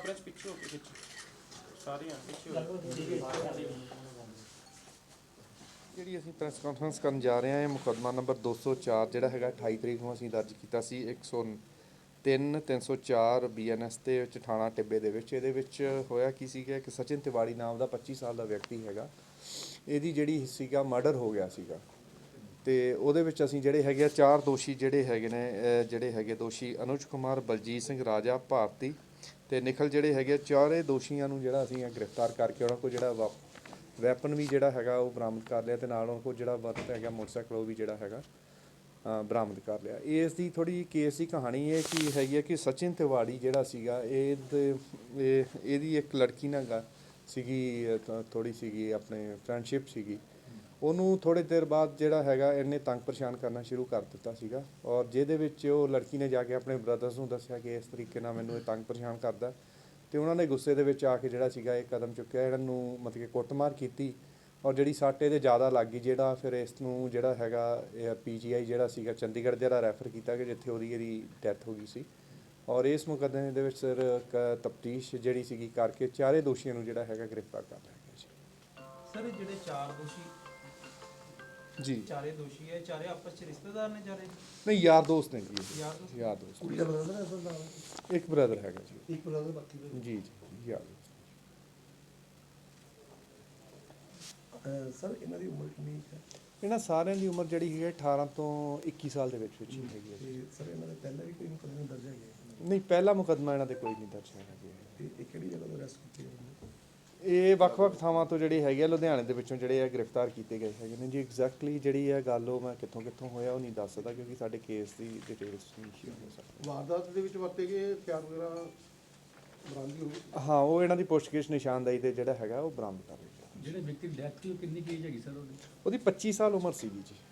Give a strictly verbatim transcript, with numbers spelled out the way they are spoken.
Press ਪਿੱਛੇ ਹੋ ਕੇ ਪਿੱਛੇ ਸਾਰੀਆਂ ਪਿੱਛੇ ਹੋ ਜਿਹੜੀ ਅਸੀਂ ਪ੍ਰੈਸ ਕਾਨਫਰੰਸ ਕਰਨ ਜਾ ਰਹੇ ਹਾਂ, ਇਹ ਮੁਕੱਦਮਾ ਨੰਬਰ ਦੋ ਸੌ ਚਾਰ ਜਿਹੜਾ ਹੈਗਾ ਅਠਾਈ ਤਰੀਕ ਨੂੰ ਅਸੀਂ ਦਰਜ ਕੀਤਾ ਸੀ ਇੱਕ ਸੌ ਤਿੰਨ ਤਿੰਨ ਸੌ ਚਾਰ ਬੀ ਐਨ ਐਸ ਦੇ ਵਿੱਚ ਥਾਣਾ ਟਿੱਬੇ ਦੇ ਵਿੱਚ। ਇਹਦੇ ਵਿੱਚ ਹੋਇਆ ਕੀ ਸੀਗਾ ਕਿ ਸਚਿਨ ਤਿਵਾੜੀ ਨਾਮ ਦਾ ਪੱਚੀ ਸਾਲ ਦਾ ਵਿਅਕਤੀ ਹੈਗਾ, ਇਹਦੀ ਜਿਹੜੀ ਸੀਗਾ ਮਰਡਰ ਹੋ ਗਿਆ ਸੀਗਾ ਅਤੇ ਉਹਦੇ ਵਿੱਚ ਅਸੀਂ ਜਿਹੜੇ ਹੈਗੇ ਆ ਚਾਰ ਦੋਸ਼ੀ ਜਿਹੜੇ ਹੈਗੇ ਨੇ, ਜਿਹੜੇ ਹੈਗੇ ਦੋਸ਼ੀ ਅਨੁਜ ਕੁਮਾਰ, ਬਲਜੀਤ ਸਿੰਘ, ਰਾਜਾ ਭਾਰਤੀ ਅਤੇ ਨਿਖਲ ਜਿਹੜੇ ਹੈਗੇ ਚਾਰੇ ਦੋਸ਼ੀਆਂ ਨੂੰ ਜਿਹੜਾ ਅਸੀਂ ਗ੍ਰਿਫਤਾਰ ਕਰਕੇ ਉਹਨਾਂ ਕੋਲ ਜਿਹੜਾ ਵਾ ਵੈਪਨ ਵੀ ਜਿਹੜਾ ਹੈਗਾ ਉਹ ਬਰਾਮਦ ਕਰ ਲਿਆ ਅਤੇ ਨਾਲ ਉਹਨਾਂ ਕੋਲ ਜਿਹੜਾ ਵਰਤ ਹੈਗਾ ਮੋਟਰਸਾਈਕਲ ਉਹ ਵੀ ਜਿਹੜਾ ਹੈਗਾ ਬਰਾਮਦ ਕਰ ਲਿਆ। ਇਸ ਦੀ ਥੋੜ੍ਹੀ ਜਿਹੀ ਕੇਸ ਦੀ ਕਹਾਣੀ ਇਹ ਕੀ ਹੈਗੀ ਹੈ ਕਿ ਸਚਿਨ ਤਿਵਾੜੀ ਜਿਹੜਾ ਸੀਗਾ ਇਹ ਇਹ ਇਹਦੀ ਇੱਕ ਲੜਕੀ ਨਾਲ ਗਾ ਸੀਗੀ, ਥੋੜ੍ਹੀ ਸੀਗੀ ਆਪਣੇ ਫਰੈਂਡਸ਼ਿਪ ਸੀਗੀ। ਉਹਨੂੰ ਥੋੜ੍ਹੇ ਦੇਰ ਬਾਅਦ ਜਿਹੜਾ ਹੈਗਾ ਇਹਨੇ ਤੰਗ ਪਰੇਸ਼ਾਨ ਕਰਨਾ ਸ਼ੁਰੂ ਕਰ ਦਿੱਤਾ ਸੀਗਾ ਔਰ ਜਿਹਦੇ ਵਿੱਚ ਉਹ ਲੜਕੀ ਨੇ ਜਾ ਕੇ ਆਪਣੇ ਬ੍ਰਦਰਸ ਨੂੰ ਦੱਸਿਆ ਕਿ ਇਸ ਤਰੀਕੇ ਨਾਲ ਮੈਨੂੰ ਇਹ ਤੰਗ ਪਰੇਸ਼ਾਨ ਕਰਦਾ ਅਤੇ ਉਹਨਾਂ ਨੇ ਗੁੱਸੇ ਦੇ ਵਿੱਚ ਆ ਕੇ ਜਿਹੜਾ ਸੀਗਾ ਇਹ ਕਦਮ ਚੁੱਕਿਆ, ਇਹਨਾਂ ਨੂੰ ਮਤਲਬ ਕਿ ਕੁੱਟਮਾਰ ਕੀਤੀ ਔਰ ਜਿਹੜੀ ਸੱਟ ਇਹਦੇ ਜ਼ਿਆਦਾ ਲੱਗ ਗਈ, ਜਿਹੜਾ ਫਿਰ ਇਸ ਨੂੰ ਜਿਹੜਾ ਹੈਗਾ ਇਹ ਪੀ ਜੀ ਆਈ ਜਿਹੜਾ ਸੀਗਾ ਚੰਡੀਗੜ੍ਹ ਜਿਹੜਾ ਰੈਫਰ ਕੀਤਾ ਕਿ ਜਿੱਥੇ ਉਹਦੀ ਇਹਦੀ ਡੈਥ ਹੋ ਗਈ ਸੀ। ਔਰ ਇਸ ਮੁਕੱਦਮੇ ਦੇ ਵਿੱਚ ਸਰ ਤਫਤੀਸ਼ ਜਿਹੜੀ ਸੀਗੀ ਕਰਕੇ ਚਾਰੇ ਦੋਸ਼ੀਆਂ ਨੂੰ ਜਿਹੜਾ ਹੈਗਾ ਗ੍ਰਿਫਤਾਰ ਕਰ ਲਿਆ ਗਿਆ ਜੀ। ਸਰ ਜਿਹੜੇ ਚਾਰ ਦੋਸ਼ੀ ਜੀ ਚਾਰੇ ਦੋਸ਼ੀ ਹੈ, ਚਾਰੇ ਆਪਸ ਚ ਰਿਸ਼ਤੇਦਾਰ ਨੇ ਚਾਰੇ? ਨਹੀਂ, ਯਾਰ ਦੋਸਤ ਨੇ ਜੀ। ਯਾਰ ਦੋਸਤ ਯਾਰ ਦੋਸਤ ਕੁੜੀ ਦਾ ਬ੍ਰਦਰ ਹੈ ਅਸਲ ਨਾਲ? ਇੱਕ ਬ੍ਰਦਰ ਹੈਗਾ ਜੀ। ਇੱਕ ਬ੍ਰਦਰ ਬਾਕੀ ਦੇ ਜੀ ਜੀ ਯਾਰ ਦੋਸਤ। ਸਰ ਇਹਨਾਂ ਦੀ ਉਮਰ ਕਿੰਨੀ ਹੈ? ਇਹਨਾਂ ਸਾਰਿਆਂ ਦੀ ਉਮਰ ਜਿਹੜੀ ਹੈ ਅਠਾਰਾਂ ਤੋਂ ਇੱਕੀ ਸਾਲ ਦੇ ਵਿੱਚ ਵਿੱਚ ਹੀ ਹੈਗੀ ਹੈ ਜੀ। ਤੇ ਸਰ ਇਹਨਾਂ ਦੇ ਪਹਿਲਾਂ ਵੀ ਕੋਈ ਮੁਕੱਦਮੇ ਦਰਜ ਹੈਗੇ? ਨਹੀਂ, ਪਹਿਲਾ ਮੁਕੱਦਮਾ ਇਹਨਾਂ ਦੇ ਕੋਈ ਨਹੀਂ ਦਰਜ ਹੈਗਾ ਜੀ। ਤੇ ਇਹ ਕਿਹੜੀ ਜਗ੍ਹਾ ਤੋਂ ਅਰੈਸਟ ਕੀਤੇ ਗਏ? ਇਹ ਵੱਖ-ਵੱਖ ਥਾਵਾਂ ਤੋਂ ਜਿਹੜੇ ਹੈਗੇ ਆ ਲੁਧਿਆਣੇ ਦੇ ਵਿੱਚੋਂ ਜਿਹੜੇ ਆ ਗ੍ਰਿਫਤਾਰ ਕੀਤੇ ਗਏ ਹੈਗੇ ਨੇ ਜੀ। ਐਗਜ਼ੈਕਟਲੀ ਜਿਹੜੀ ਹੈ ਗੱਲ ਉਹ ਮੈਂ ਕਿੱਥੋਂ ਕਿੱਥੋਂ ਹੋਇਆ ਉਹ ਨਹੀਂ ਦੱਸ ਸਕਦਾ ਕਿਉਂਕਿ ਸਾਡੇ ਕੇਸ ਦੀ ਡਿਟੇਲਸ ਨਹੀਂ ਸ਼ੇਅਰ ਹੋ ਸਕਦੀ। ਵਾਰਦਾਤ ਦੇ ਵਿੱਚ ਵਰਤੇ ਗਏ ਹਥਿਆਰ ਵਗੈਰਾ ਬਰਾਮਦ ਹੋਏ? ਹਾਂ, ਉਹ ਇਹਨਾਂ ਦੀ ਪੁੱਛਗਿੱਛ ਨਿਸ਼ਾਨਦੇਹੀ ਤੇ ਜਿਹੜਾ ਹੈਗਾ ਉਹ ਬਰਾਮਦ ਕਰ ਲਿਆ। ਜਿਹੜੇ ਵਿਅਕਤੀ ਦੀ ਡੈਥ ਹੋਈ ਉਹ ਕਿੰਨੀ ਕੀ ਏਜ ਹੈਗੀ ਸਰ ਉਹਦੀ? ਉਹਦੀ ਪੱਚੀ ਸਾਲ ਉਮਰ ਸੀਗੀ ਜੀ।